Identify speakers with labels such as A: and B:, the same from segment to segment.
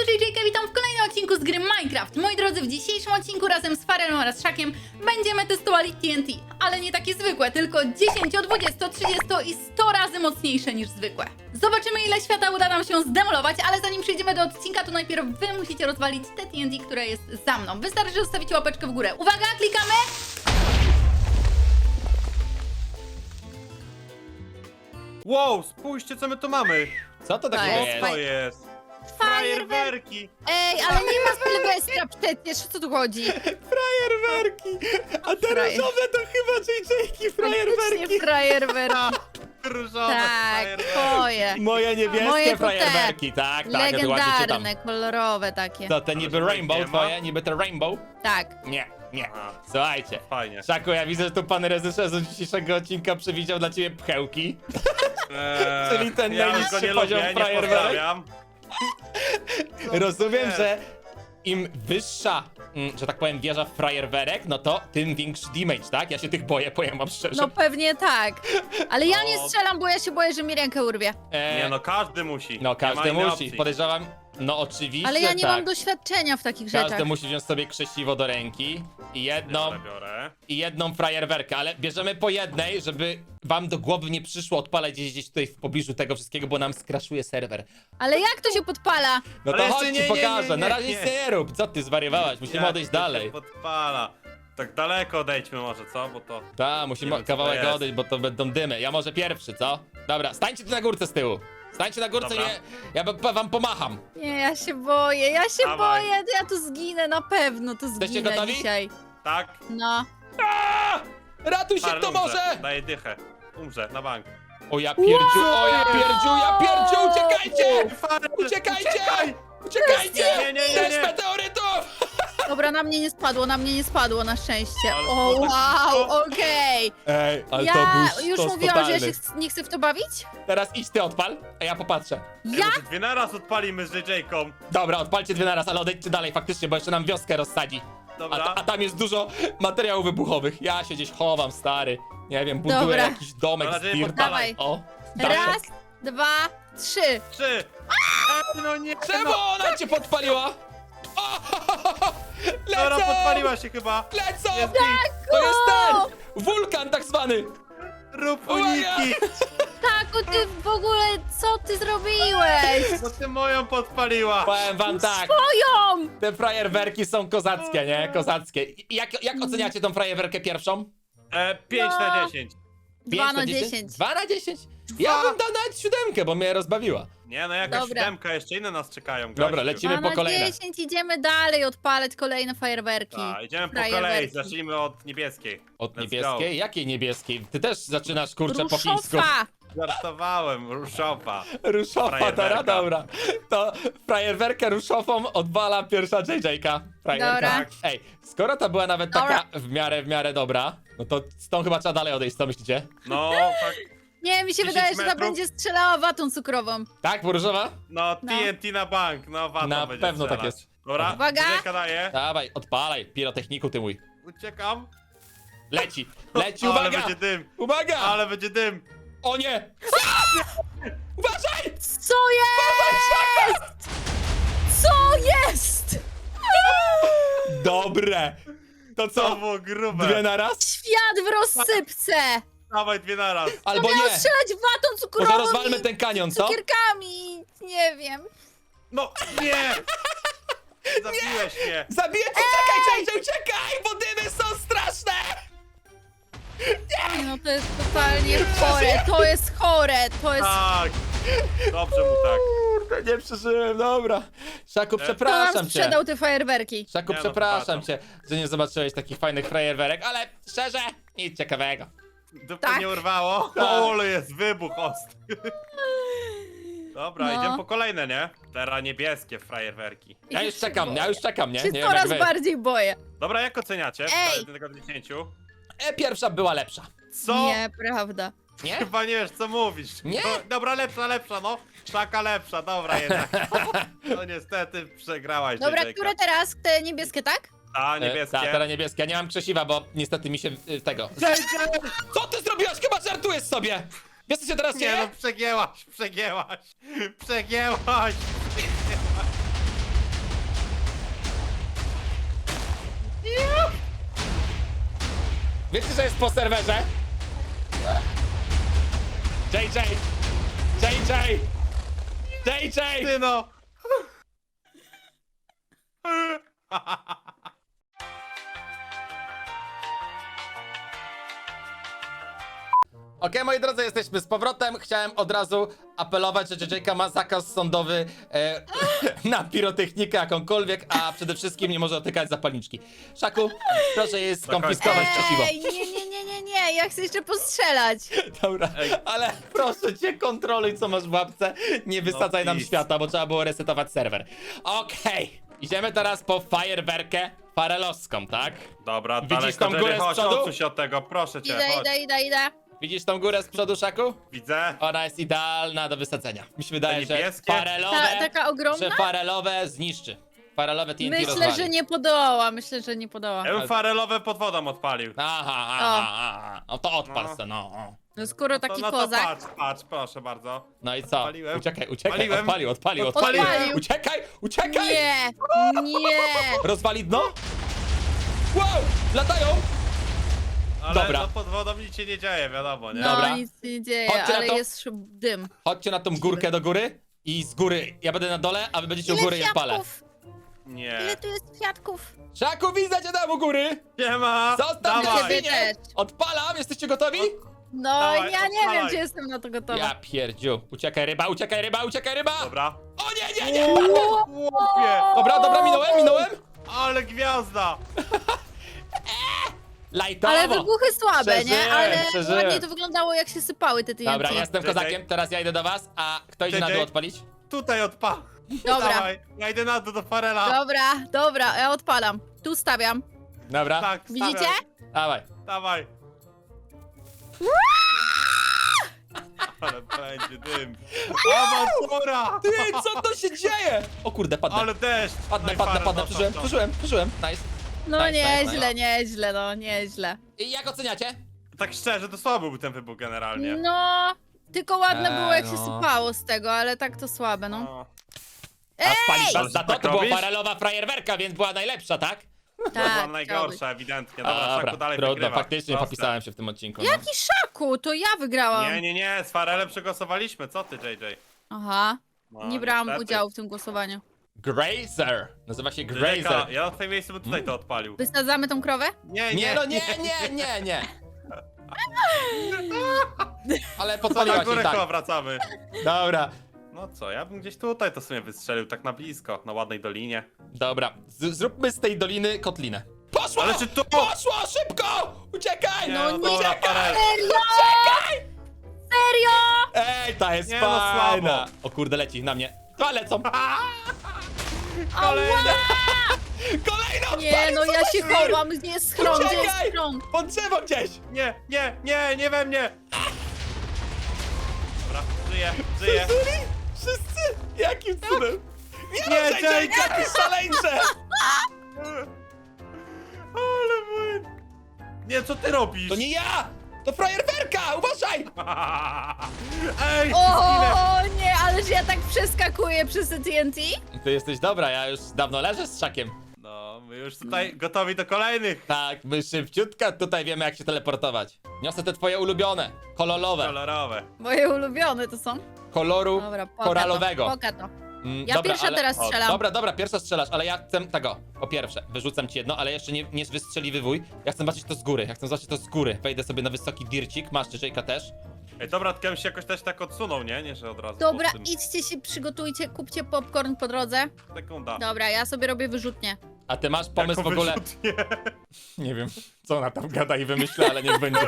A: JJK, witam w kolejnym odcinku z gry Minecraft. Moi drodzy, w dzisiejszym odcinku razem z Farelem oraz Szakiem będziemy testowali TNT, ale nie takie zwykłe, tylko 10, 20, 30 i 100 razy mocniejsze niż zwykłe. Zobaczymy, ile świata uda nam się zdemolować, ale zanim przejdziemy do odcinka, to najpierw wy musicie rozwalić te TNT, które jest za mną. Wystarczy, że zostawicie łapeczkę w górę. Uwaga, klikamy!
B: Wow, spójrzcie, co my tu mamy.
C: Co to takiego
A: jest
C: jest?
B: Co to jest? Fajerwerki.
D: Ej, ale nie ma Sylwestra przecież, o co tu chodzi?
C: Frajerwerki! A te
D: Frajer.
C: różowe to chyba JJ-ki frajerwerki!
D: Frajerwerki.
B: Różowe
D: Tak,
B: fajerwerki.
D: twoje.
C: Moje niebieskie
D: Moje to te.
C: frajerwerki, tak, ja to ładnie czytam.
D: Legendarne, kolorowe takie.
C: To te niby
B: Ale
C: rainbow
B: nie ma?
C: twoje, niby te rainbow?
D: Tak.
C: Nie, nie.
B: Aha.
C: Słuchajcie.
B: Fajnie.
C: Szaku, ja widzę, że tu pan reżyser z dzisiejszego odcinka przewidział dla ciebie pchełki. Czyli ten
B: ja
C: najniższy
B: go nie
C: poziom
B: lubię, nie
C: fajerwerek.
B: pozdrawiam.
C: Rozumiem,
B: nie.
C: że im wyższa, że tak powiem, wieża frajerwerek, no to tym większy damage, tak? Ja się tych boję, powiem wam szczerze.
D: No pewnie tak. Ale ja nie
B: No.
D: strzelam, bo ja się boję, że mi rękę urwie.
B: Nie no, każdy musi.
C: No
B: Nie
C: każdy
B: ma innej
C: musi,
B: opcji.
C: podejrzewam, no oczywiście
D: Ale ja nie
C: tak.
D: mam doświadczenia w takich rzeczach.
C: Każdy musi wziąć sobie krzesiwo do ręki i
B: Biorę.
C: jedną frajerwerkę, ale bierzemy po jednej, żeby wam do głowy nie przyszło odpalać gdzieś tutaj w pobliżu tego wszystkiego, bo nam skraszuje serwer.
D: Ale jak to się podpala?
C: No
B: Ale
C: to
B: jeszcze
C: chodź
B: nie,
C: ci pokażę,
B: nie,
C: na razie
B: nie.
C: nic nie rób, co ty zwariowałaś, musimy
B: Jak
C: odejść
B: to się
C: dalej.
B: podpala. Tak daleko odejdźmy może, co? Bo to...
C: Tak, musimy
B: Nie wiem, co to
C: kawałek
B: jest.
C: odejść, bo to będą dymy. Ja może pierwszy, co? Dobra, stańcie tu na górce z tyłu. Stańcie na górce,
B: Dobra.
C: nie, ja wam pomacham.
D: Nie, ja się boję,
B: Dawaj.
D: ja tu zginę, na pewno tu
C: Jesteście
D: zginę
C: gotowi?
D: dzisiaj.
B: Tak?
D: No.
C: Ratuj się,
B: Parę
C: kto
B: umrze.
C: może!
B: Daję dychę. Umrze, na bank.
C: O ja pierdziu, uciekajcie!
B: Farel,
C: Uciekajcie!
B: uciekaj!
C: Uciekajcie!
B: Nie, nie, nie, nie,
C: Deszcz
B: nie.
C: meteorytów!
D: Dobra, na mnie nie spadło na szczęście.
B: Ale
D: O,
B: to tak
D: wow,
B: szybko.
D: okej.
C: Ej, ale to
D: Ja
C: był
D: już
C: sztos
D: mówiłam, że ja
C: totalny.
D: się nie chcę w to bawić?
C: Teraz idź ty odpal, a ja popatrzę.
D: Ja?
B: Może dwie naraz odpalimy z JJ-ką.
C: Dobra, odpalcie dwie naraz, ale odejdźcie dalej faktycznie, bo jeszcze nam wioskę rozsadzi.
B: Dobra.
C: A tam jest dużo materiałów wybuchowych. Ja się gdzieś chowam, stary. Nie wiem, buduję
D: Dobra.
C: jakiś domek
B: Mam
C: z
B: nadzieję,
C: dirta.
D: Dawaj.
C: O,
D: Raz, dwa, trzy.
B: 3. No nie.
C: Czemu
B: no.
C: ona cię podpaliła? O,
B: Dobra,
C: lecą!
B: podpaliła się chyba.
C: Lecą!
B: Jest
C: To jest ten! Wulkan tak zwany!
B: Rób
C: Uwaga!
B: uniki.
D: Taku, ty w ogóle, co ty zrobiłeś?
B: Bo ty moją podpaliła.
C: Powiem wam tak,
D: Moją!
C: te frajerwerki są kozackie, nie? Kozackie. Jak oceniacie tą frajerwerkę pierwszą?
B: 5
D: No.
B: na 10.
D: 2 na 10.
C: 2 na 10? Ja bym dał nawet 7, bo mnie rozbawiła.
B: Nie no, jakaś
D: Dobra.
B: 7, jeszcze inne nas czekają.
C: Dobra,
B: gościu.
C: lecimy.
D: 2
C: po kolejne.
D: na 10, idziemy dalej odpalać kolejne fajerwerki.
B: Tak, idziemy po
D: Frajerwerki.
B: kolei, zacznijmy od niebieskiej.
C: Od
B: Let's
C: niebieskiej? Jakiej niebieskiej? Ty też zaczynasz, kurczę, po chińsku.
D: Ruszowa!
B: Go. Żartowałem, ruszowa.
C: Ruszowa,
B: Frajerwerka.
C: dobra. To frajerwerkę ruszową odwala pierwsza JJ-ka. Frajerka.
D: Dobra.
B: Tak.
C: Ej, skoro ta była nawet
D: Dobra.
C: taka w miarę dobra, no to z tą chyba trzeba dalej odejść, co myślicie?
B: No, tak.
D: Nie, mi się
B: 10
D: wydaje, że ta
B: metrów.
D: będzie strzelała watą cukrową.
C: Tak, bo różowa?
B: No,
D: No.
B: TNT na bank, no watą
C: Na
B: będzie
C: pewno tak
B: strzelać.
C: jest.
B: Dobra,
D: Uwaga.
B: JJ daje.
C: Dawaj, odpalaj, pirotechniku ty mój.
B: Uciekam.
C: Leci,
B: Ale
C: uwaga!
B: będzie dym,
C: Uwaga!
B: ale będzie dym.
C: O nie! Uważaj!
D: Co jest? Co jest?
C: Dobre! To
B: To
C: co?
B: było grube.
C: Dwie na raz?
D: Świat w rozsypce!
B: Dawaj dwie naraz.
C: Albo
D: Miał
C: nie!
D: strzelać watą cukrową
C: Może rozwalmy
D: i
C: ten kanion, co?
D: cukierkami. Nie wiem.
B: No, nie! Zabiłeś mnie.
C: Zabiję cię! Uciekaj, JJ, uciekaj! Bo dymy są straszne!
D: No to jest totalnie chore. To jest chore. To jest...
B: Tak. Dobrze mu tak.
C: Kurde, nie przeżyłem, dobra. Szaku,
D: Kto
C: przepraszam
D: nam
C: cię.
D: sprzedał te fajerwerki?
C: Szaku,
B: Nie, no,
C: przepraszam
B: przepraszam.
C: cię, że nie zobaczyłeś takich fajnych frajerwerek, ale szczerze, nic ciekawego.
B: Dupy
D: Tak.
B: nie urwało?
C: Tak.
B: O, ale jest wybuch ostry. Dobra,
D: No.
B: idziemy po kolejne, nie? Teraz niebieskie frajerwerki.
C: Ja już czekam, nie?
D: Się
C: Nie wiem
D: coraz
C: jak wy.
D: bardziej boję.
B: Dobra, jak oceniacie?
D: Ej!
B: Z 1 do 10.
C: Pierwsza była lepsza.
B: Co?
D: Nieprawda.
C: Nie?
B: Chyba nie wiesz, co mówisz.
C: Nie?
B: No, dobra, lepsza, no. Szaka lepsza, dobra jednak. No niestety przegrałaś,
D: Dobra,
B: JJ-ka.
D: które teraz? Te niebieskie, tak?
B: A, niebieskie.
C: Tak, teraz niebieskie. Ja nie mam krzesiwa, bo niestety mi się tego...
B: JJ!
C: Co ty zrobiłaś? Chyba żartujesz sobie! Wiesz co się teraz
B: Nie
C: dzieje?
B: no, przegięłaś.
C: Wiecie, że jest po serwerze? JJ!
B: Ty no!
C: Okej, moi drodzy, jesteśmy z powrotem. Chciałem od razu apelować, że JJ ma zakaz sądowy na pirotechnikę jakąkolwiek, a przede wszystkim nie może dotykać zapalniczki. Szaku, proszę jej skonfiskować przeciwo.
D: Ej, nie, ja chcę jeszcze postrzelać.
C: Dobra, ale proszę cię, kontroluj co masz w łapce. Nie wysadzaj nam
B: please.
C: świata, bo trzeba było resetować serwer. Okej, idziemy teraz po fajerwerkę farelowską, tak?
B: Dobra,
C: Widzisz
B: daleko,
C: tą górę
B: Jerry,
C: z
B: chodź,
C: przodu?
B: odsuń się od tego, proszę cię, chodź.
D: Idę.
C: Widzisz tą górę z przodu, Szaku?
B: Widzę.
C: Ona jest idealna do wysadzenia. Mi się wydaje,
B: Te
C: że
B: niebieskie?
C: farelowe,
D: Taka ogromna?
C: że farelowe zniszczy. Farelowe TNT
D: Myślę,
C: rozwali.
D: że nie podoła, myślę, że nie podoła.
B: Ja bym farelowe pod wodą odpalił.
C: Aha. No to odpal
B: No.
C: se, no.
D: No skoro taki
B: no to
D: kozak.
B: patrz, proszę bardzo.
C: No i co?
B: Odpaliłem.
C: Uciekaj,
B: Odpaliłem.
C: odpalił.
D: Odpalił.
C: Uciekaj!
D: Nie.
C: Rozwali dno? Wow! Latają!
B: Ale
C: Dobra.
B: no pod wodą nic się nie dzieje, wiadomo, nie?
D: No
C: Dobra.
D: nic się nie dzieje,
C: Chodźcie na
D: ale
C: to.
D: jest dym.
C: Chodźcie na tą górkę do góry i z góry. Ja będę na dole, a wy będziecie u góry i odpalę.
B: Nie.
D: Ile tu jest kwiatków?
C: Szaku, widzę cię tam u góry!
B: Nie ma!
C: Zostaw
B: Dawaj.
C: mnie,
D: Ciebie też.
C: Odpalam, jesteście gotowi?
D: No
B: Dawaj,
D: ja nie wiem,
B: odpalaj.
D: czy jestem na to gotowa.
C: Ja pierdziu. Uciekaj ryba!
B: Dobra.
C: O nie!
B: Łopie!
C: Dobra, minąłem!
B: Ale gwiazda!
C: Lajtowo!
D: Ale wybuchy słabe, nie? Ale
C: Przeżyłem.
D: ładnie to wyglądało, jak się sypały te TNT.
C: Dobra, ja jestem
B: JJ.
C: kozakiem, teraz ja idę do was, a kto idzie na dół
B: JJ.
C: odpalić?
B: Tutaj odpa.
D: Dobra.
B: Dawaj, ja idę na dół do farela.
D: Dobra, ja odpalam. Tu stawiam.
C: Dobra,
B: Tak,
D: Widzicie?
B: stawiaj.
C: dawaj.
B: Dawaj. Ale będzie dym. Awantura!
C: Ty, co to się dzieje? O kurde, padnę.
B: Ale deszcz!
C: Padnę,
B: No i farel, no,
C: przeżyłem. Nice.
D: No
C: Nice,
D: nieźle.
C: I jak oceniacie?
B: Tak szczerze, to słaby był ten wybuch generalnie.
D: No, tylko ładne było, jak się
C: no.
D: sypało z tego, ale tak to słabe, no.
B: No.
C: A spalić was
B: Ale
C: za to?
B: tak
C: To była
B: robisz?
C: farelowa frajerwerka, więc była najlepsza, tak?
B: To była
D: Tak,
B: najgorsza, ewidentnie.
C: A,
B: Dobra, Szaku dalej
C: trudno,
B: wygrywa.
C: faktycznie
B: Proste.
C: popisałem się w tym odcinku. No.
D: Jaki Szaku? To ja wygrałam.
B: Nie, z Farelem przegłosowaliśmy, co ty, JJ?
D: Aha,
B: No,
D: nie brałam
B: niestety.
D: udziału w tym głosowaniu.
C: Grazer! Nazywa się
B: JJ,
C: Grazer.
B: ja na twoim miejscu bym tutaj to odpalił.
D: Wysadzamy tą krowę?
C: Nie, no nie. Ale
B: Co na
C: podpaliła się
B: górę
C: i
B: chyba
C: tak.
B: wracamy.
C: Dobra,
B: No co, ja bym gdzieś tutaj to sobie wystrzelił, tak na blisko, na ładnej dolinie.
C: dobra. Zróbmy z tej doliny kotlinę. Poszło!
B: Ale czy to-
C: Poszło! Szybko! Uciekaj!
B: Nie,
D: No
B: no
D: nie.
B: dobra, Farel.
D: Serio? Serio?
C: Ej, ta jest
B: Nie, no
C: fajna!
B: słabo.
C: O kurde, leci na mnie. Dwa lecą!
B: Kolejny!
C: Kolejną!
D: Nie, no ja się chowam, gdzie jest schron, gdzie jest
C: Uciekaj!
D: schron?
C: Pod drzewo gdzieś!
B: Nie we mnie! Dobra, żyję.
C: Wszyscy? Jakim cudem?
B: Nie,
C: JJ,
B: JJ!
C: jakie szaleńcze!
B: Ale mój... Nie, co ty robisz?
C: To nie ja! To frajerwerka! Uważaj!
B: Ej, zginę!
D: O nie, ależ ja tak przeskakuję przez te TNT?
C: Ty jesteś dobra, ja już dawno leżę z Szakiem.
B: No, my już tutaj gotowi do kolejnych.
C: Tak, my szybciutko tutaj wiemy jak się teleportować. Niosę te twoje ulubione, kolorowe,
B: Kolorowe.
D: Moje ulubione to są.
C: koloru
D: Dobra,
C: koralowego.
D: Poka to.
C: Mm,
D: Ja pierwsza teraz strzelam.
C: Dobra, pierwsza strzelasz, ale ja chcę tego. Po pierwsze, wyrzucam ci jedno, ale jeszcze nie wystrzeliwuj. Ja chcę zobaczyć to z góry, Wejdę sobie na wysoki dircik, masz Jerzyjka też.
B: Ej, dobra, tylko bym się jakoś też tak odsunął, nie, że od razu.
D: Dobra,
B: po tym.
D: idźcie się, przygotujcie, kupcie popcorn po drodze.
B: Sekunda.
D: Dobra, ja sobie robię wyrzutnię.
C: A ty masz pomysł
B: Jaką
C: w ogóle?
B: wyrzutnię?
C: Nie wiem, co ona tam gada i wymyśla, ale niech będzie.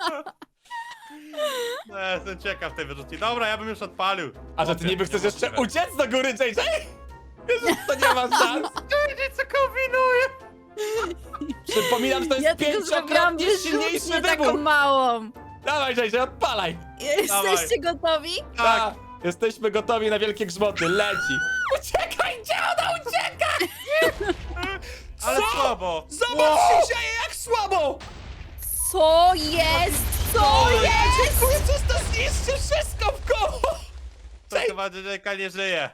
B: No, jestem ciekaw tej wyrzutni. Dobra, ja bym już odpalił.
C: A że ty niby chcesz jeszcze
B: Niemożliwe.
C: uciec do góry, JJ? Wiesz, że to nie ma szans.
B: JJ, co kombinuje?
C: Przypominam, że to jest
D: Ja tylko zrobiłam
C: pięciokrotnie silniejszy
D: wyrzutnię taką
C: wybuch.
D: małą.
C: Dawaj, JJ, odpalaj.
D: Jesteście gotowi?
C: Tak, jesteśmy gotowi na wielkie grzmoty, leci. Uciekaj, gdzie ona ucieka?
B: Ale
C: Co?
B: słabo.
C: Zobacz, się dzieje, jak słabo.
D: Co jest? Co jest?
C: Jezus, to zniszczy wszystko w koło.
B: To chyba JJ nie żyje.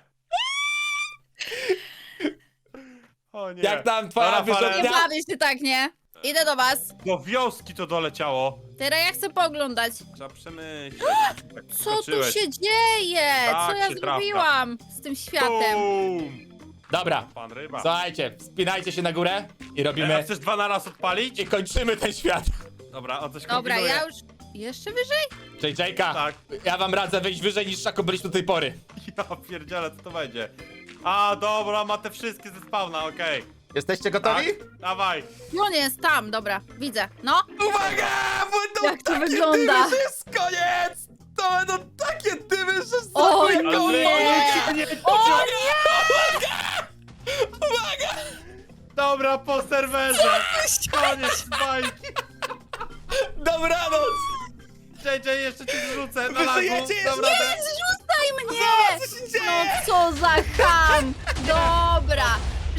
B: O nie.
C: Jak tam twoja
B: Dobra, Farel.
D: Nie
C: wyrzutnia?
D: bawię się tak, nie? Idę do was.
B: Do wioski to doleciało.
D: Teraz ja chcę pooglądać.
B: Trzeba przemyśleć. Tak
D: Co tu
B: skoczyłeś.
D: się dzieje?
B: Tak
D: Co ja
B: się trafia.
D: zrobiłam z tym światem?
B: Bum!
C: Dobra,
B: Pan ryba.
C: słuchajcie, wspinajcie się na górę i
B: A
C: robimy...
B: chcesz 2 na raz odpalić?
C: I kończymy ten świat.
B: Dobra, on coś
D: Dobra,
B: kombinuje.
D: ja już... Jeszcze wyżej?
C: JJ-ka,
B: Tak.
C: ja wam radzę wyjść wyżej niż Szaku byliśmy do tej pory.
B: Ja pierdzielę, co to będzie? A, dobra, ma te wszystkie ze spawna, okej.
C: Jesteście
B: Tak,
C: gotowi?
B: dawaj.
D: On jest tam, dobra, widzę. No,
C: Uwaga! Będą
D: Jak to
C: takie
D: wygląda?
C: dymy, że jest koniec! To będą takie dymy, że
D: O
C: zrobię
D: nie!
C: koniec!
D: O
C: Uwaga!
B: Dobra, po serwerze. Koniec bajki.
C: Dobranoc!
B: JJ, jeszcze cię zrzucę na lagu.
C: żyjecie jeszcze?
B: Dobra,
D: nie, zrzucaj mnie!
C: Zobacz, co się dzieje!
D: No co za ham! Dobra!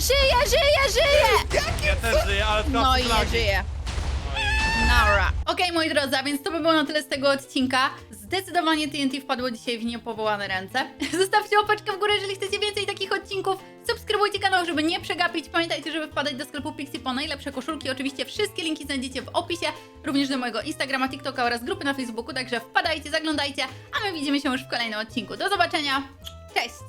D: Żyję!
B: ja też żyję, ale
D: No
B: tracę
D: i nie
B: flagi.
D: żyję.
B: No
D: Nara.
A: Okej, moi drodzy, a więc to by było na tyle z tego odcinka. Zdecydowanie TNT wpadło dzisiaj w niepowołane ręce. Zostawcie łapeczkę w górę, jeżeli chcecie więcej takich odcinków. Subskrybujcie kanał, żeby nie przegapić. Pamiętajcie, żeby wpadać do sklepu Pixie po najlepsze koszulki. Oczywiście wszystkie linki znajdziecie w opisie, również do mojego Instagrama, TikToka oraz grupy na Facebooku. Także wpadajcie, zaglądajcie, a my widzimy się już w kolejnym odcinku. Do zobaczenia. Cześć!